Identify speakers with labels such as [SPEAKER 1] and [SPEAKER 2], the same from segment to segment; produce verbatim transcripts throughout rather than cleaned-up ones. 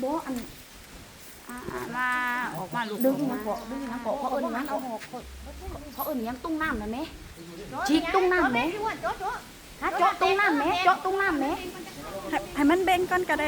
[SPEAKER 1] บ่อัน
[SPEAKER 2] มาออกมาลูก
[SPEAKER 1] ดึงยังเกาะดึงยังเกาะเขาเอิ้นยังเอาเขาเอิ้นยังตุ้งน้ำนะแม่ฉีกตุ้งน้ำแม่ฮะเจาะตุ้งน้ำแม่เจาะตุ้งน้ำแม่
[SPEAKER 3] ให้มันเบ่งก่อนก็ได้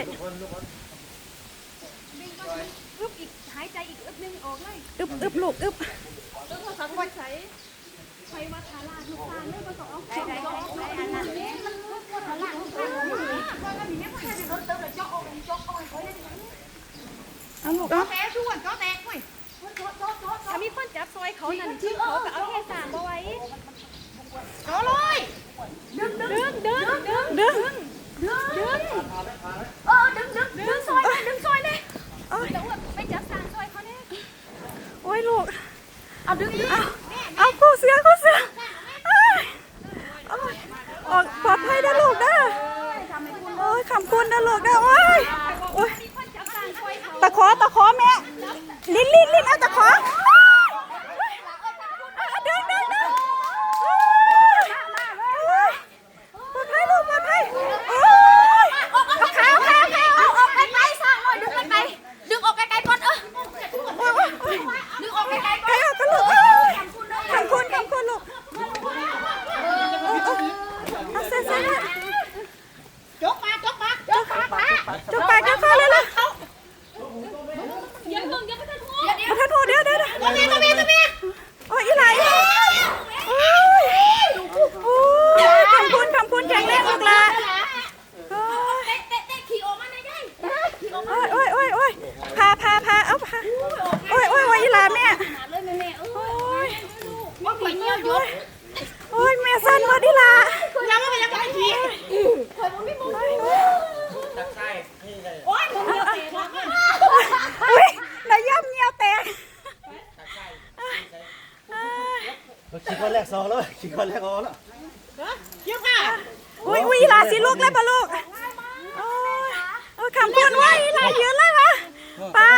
[SPEAKER 2] อึบอีกหายใจอีกอึบนึงออกเลย
[SPEAKER 3] อึบอึบลูกอึบ
[SPEAKER 2] ต้องมาสังวัดใส่ใช้วัดทาราทุกทางเลยมาสองได้ได้ได้อันนั้นเนี่ยมันวัดทาราทุกทางเลยว่าแล้วมีแม่พ่อจะโดนเติมเลยเจาะออกเจาะออกเขาได้ยังไง
[SPEAKER 3] เอาลูก
[SPEAKER 2] เจาะแตกชวนเจาะแตกเว้ยถ้ามีคนจับซอยเขานั่นที่เขาก็เอาแค่สามเอาไว้เจาะเลยดึงดึงดึงดึง
[SPEAKER 3] ดึง
[SPEAKER 2] ดึงเออดึงดึงดึงซอยเลยดึงซอยเลยเดี๋ยวไปจับสามซอยเขาเนี่ย
[SPEAKER 3] โอ้ยลูก
[SPEAKER 2] เอาดึงดึง
[SPEAKER 3] เอาคู่เสือคู่เสือออกปลอดภัยนะลูกนะโอ้ยขำคุณนะลูกนะโอ้ยโอ้ยตะขอตะขอแม่ลิ้นลิ้นลิ้นเอาตะขอดึงดึงดึงปลอดภัยลูกปลอดภัยโอ้ยเอาขาเอาขาเอาขา
[SPEAKER 2] เอาออกไกลๆสร้างเลยดึงไกลๆดึงออกไกลๆก่อนเออดึงออกไกลๆก่อน
[SPEAKER 3] ไก่ออกกันลูกขำคุณขำคุณลูกเอาเส้นเส้น
[SPEAKER 2] จกมาจกมาจกมา
[SPEAKER 3] จุกปากกันฟ้าเลยล่ะ
[SPEAKER 2] อย่าเพิ่งอย่าเพิ่งทัว
[SPEAKER 3] มาทันโทษเดี๋ยวเดี๋ยวเดี๋ยว
[SPEAKER 2] ตัวเมียตัวเมียตัวเมีย
[SPEAKER 3] โอ้ยอีไหลโอ้ยโอ้ยขำคุณขำคุณแข็งแรงลูกละโอ้ย
[SPEAKER 2] เตะเตะเตะขี่ออกมาได้ยังขี่ออกมา
[SPEAKER 3] โอ้ยโอ้ยโอ้ยพาพาพาเอาพาโอ้ยโอ้ยโอ้ยอีหลาแม่
[SPEAKER 2] เลยแม่แม่เออ
[SPEAKER 3] โอ้ย
[SPEAKER 2] ว่าขี่เงี้ยยก
[SPEAKER 3] โอ้ยแม่สั้นหมดอีหลา
[SPEAKER 2] ยังไม่ยังไม่ขี่เคยมันไม่มุ้งโอ้ยมึงเงี้ยเตะแล้วกัน
[SPEAKER 3] อุ้ยนายย่ำเงี้ยวแตก
[SPEAKER 4] ขี่คนแรกสองแล้วขี่คนแรกออกแล้ว
[SPEAKER 2] เยี่ยมค่ะ
[SPEAKER 3] อุ้ยอุ้ยอีหลาสิลูกแล้วปะลูกโอ้ยโอ้ยขำคุณว่าอีหลายืนเลยปะป้า